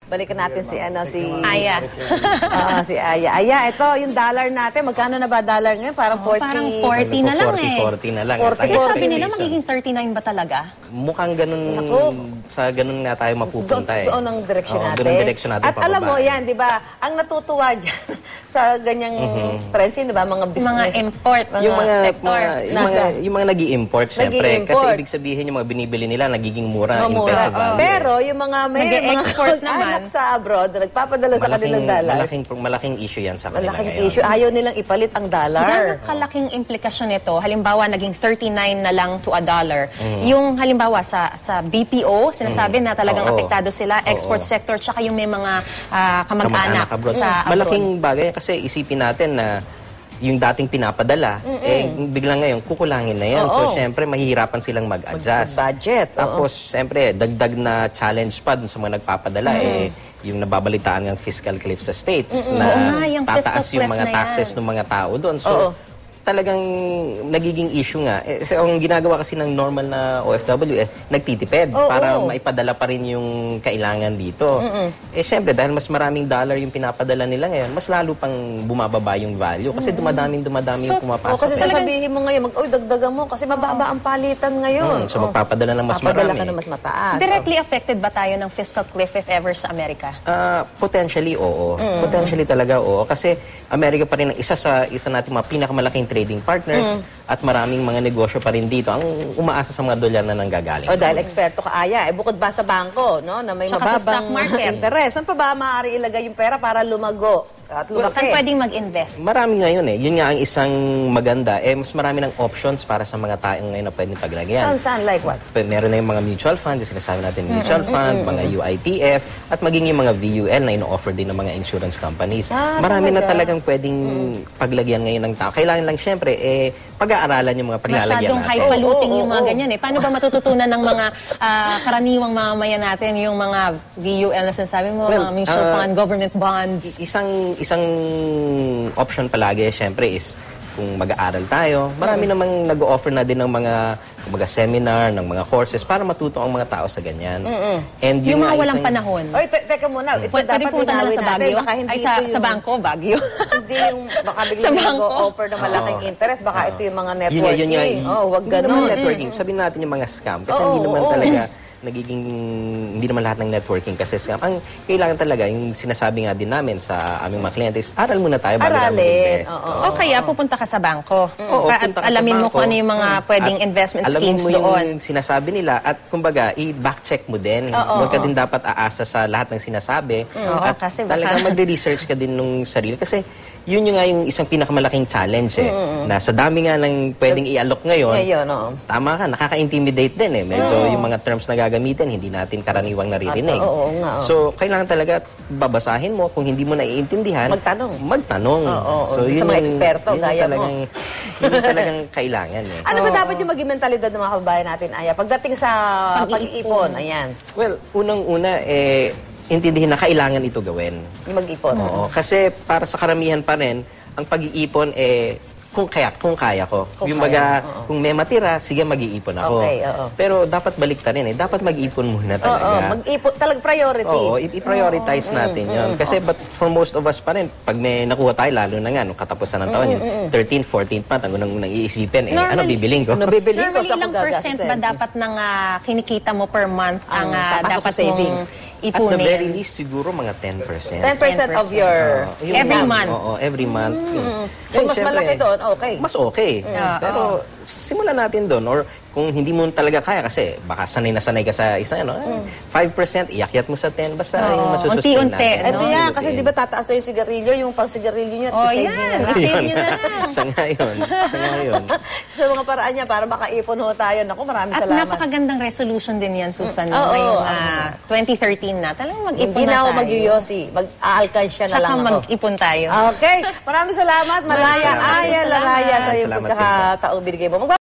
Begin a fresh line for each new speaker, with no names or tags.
Balikan natin si
Aya.
Si Aya. Aya, ito yung dollar natin. Magkano na ba dollar ngayon? Parang 40.
Parang 40 na lang
40 na lang.
40.
Kasi sabi nila magiging 39 ba talaga?
Mukhang ganun, sa ganun nga tayo mapupunta
Doon ang direksyon natin.
Doon ang direksyon natin.
At alam mo yan, di ba, ang natutuwa dyan sa ganyang trends, di ba, mga business.
Mga import,
yung mga
sector.
Yung mga nag-i-import, syempre. Kasi ibig sabihin yung mga binibili nila nagiging mura in peso value.
Pero yung mga may
export naman
sa abroad na nagpapadala sa kanilang dollar.
Malaking issue yan sa kanila
malaking
ngayon.
issue. Ayaw nilang ipalit ang dollar.
Gano'ng kalaking implikasyon nito? Halimbawa, naging 39 na lang to a dollar. Yung halimbawa sa BPO, sinasabi na talagang apektado sila, export sector, tsaka yung may mga kamag-anak sa abroad.
Malaking bagay kasi isipin natin na yung dating pinapadala, biglang ngayon, kukulangin na yan. So, syempre, mahihirapan silang mag-adjust.
Budget.
Tapos, syempre, dagdag na challenge pa dun sa mga nagpapadala, yung nababalitaan ng fiscal cliff sa states, na tataas yung mga taxes ng mga tao doon. So, talagang nagiging issue nga. Ang ginagawa kasi ng normal na OFW, nagtitipid para maipadala pa rin yung kailangan dito. Siyempre, dahil mas maraming dollar yung pinapadala nila ngayon, mas lalo pang bumababa yung value kasi dumadami yung pumapasok.
Kasi sasabihin mo ngayon, dagdagan mo kasi mababa ang palitan ngayon.
So, magpapadala ng mas marami.
Papadala ka ng mas mataas.
Directly affected ba tayo ng fiscal cliff if ever sa Amerika?
Potentially, oo. Potentially talaga, oo. Kasi Amerika pa rin ang isa nating mga pinakamalaking trading partners at maraming mga negosyo pa rin dito ang umaasa sa mga dolyar na nanggagaling.
Dahil eksperto ka, Aya, bukod ba sa bangko, no, na may mababang interest, saan pa ba maaari ilagay yung pera para lumago at lumaki?
Saan pwedeng mag-invest?
Marami ngayon Yun nga ang isang maganda. Mas marami ng options para sa mga taong ngayon na pwedeng paglagyan.
Saan? Like what?
Meron na yung mga mutual fund, yung sinasabi natin mutual fund, mga UITF, at maging yung mga VUL na ino-offer din ng mga insurance companies. Marami na talagang pwedeng paglagyan ngayon ng tao. Kailangan lang syempre, pag-aaralan yung mga paglalagyan
Masyadong
natin.
highfalutin yung mga ganyan Paano ba matututunan ng mga karaniwang mamamayan natin yung mga VUL na sinasabi mo, mga mutual fund, government bonds?
Isang option palagi, syempre, is kung mag-aaral tayo, marami namang nag-o-offer na din ng mga seminar, ng mga courses para matuto ang mga tao sa ganyan. And
yung mga walang panahon.
Oy, teka muna. Ito
Pwede
dapat
punta na lang sa Baguio?
Ay,
sa bangko, Baguio.
Hindi yung baka biglang nag-o-offer ng malaking interest. Baka ito yung mga networking. Wag ganun.
Networking. Sabihin natin yung mga scam. Kasi hindi naman talaga hindi naman lahat ng networking kasi scam. Ang kailangan talaga, yung sinasabi nga din namin sa aming mga kliyente is, aral muna tayo bago namin invest.
O kaya pupunta ka sa bangko. At alamin mo kung ano yung mga pwedeng investment schemes doon.
Alamin mo yung sinasabi nila at kumbaga, i-backcheck mo din. Huwag ka din dapat aasa sa lahat ng sinasabi. At talagang magre-research ka din nung sarili. Kasi yun yung nga yung isang pinakamalaking challenge na sa dami nga ng pwedeng i-alok ngayon, tama ka, nakaka-intimidate din Medyo yung mga terms na gagamitin, hindi natin karaniwang naririnig. So, kailangan talaga babasahin mo. Kung hindi mo naiintindihan, magtanong. So,
sa mga eksperto, gaya mo.
Yun talagang kailangan
Ano ba dapat yung maging mentalidad ng mga kababayan natin, Aya? Pagdating sa pag-iipon, ayan.
Well, unang-una, intindihin na kailangan ito gawin.
Yung mag-ipon.
Oo. Kasi para sa karamihan pa rin, ang pag-iipon kung kaya ko. Yung baga, kung may matira, sige mag-iipon ako. Pero dapat baliktarin Dapat mag-ipon muna talaga.
Mag-ipon, talagang priority.
Oo, i-prioritize natin yun. Kasi but for most of us pa rin, pag may nakuha tayo, lalo na nga, nung katapusan ng taon, yung 13th, 14th month, ang unang iisipin, ano bibiling ko?
Normally, ilang percent ba dapat ng kinikita mo per month ang dapat mong ipunin?
At the very least, siguro mga 10%.
10% of your...
every month?
Oo, every month.
Kung mas malaki doon, okay.
Mas okay. Pero simulan natin doon. Or kung hindi mo talaga kaya, kasi baka sanay na sanay ka sa isa, 5%, iakyat mo sa 10, basta yung masusustain natin.
Ito yan, kasi di ba tataas na yung sigarilyo, yung pang-sigarilyo nyo,
i-save nyo na.
Sa ngayon.
Sa mga paraan niya, para makaipon ho tayo. Naku, maraming salamat.
At napakagandang resolution din yan, Susan. Ngayong 2013 na. Talagang mag-ipon na tayo.
Hindi na ako mag-yosi. Mag-aalkansya na lang ako.
Saka mag-ipon tayo.
Okay. Maraming salamat. Malaya, Aya Laraya sa iyong pagkakataong binigay mo.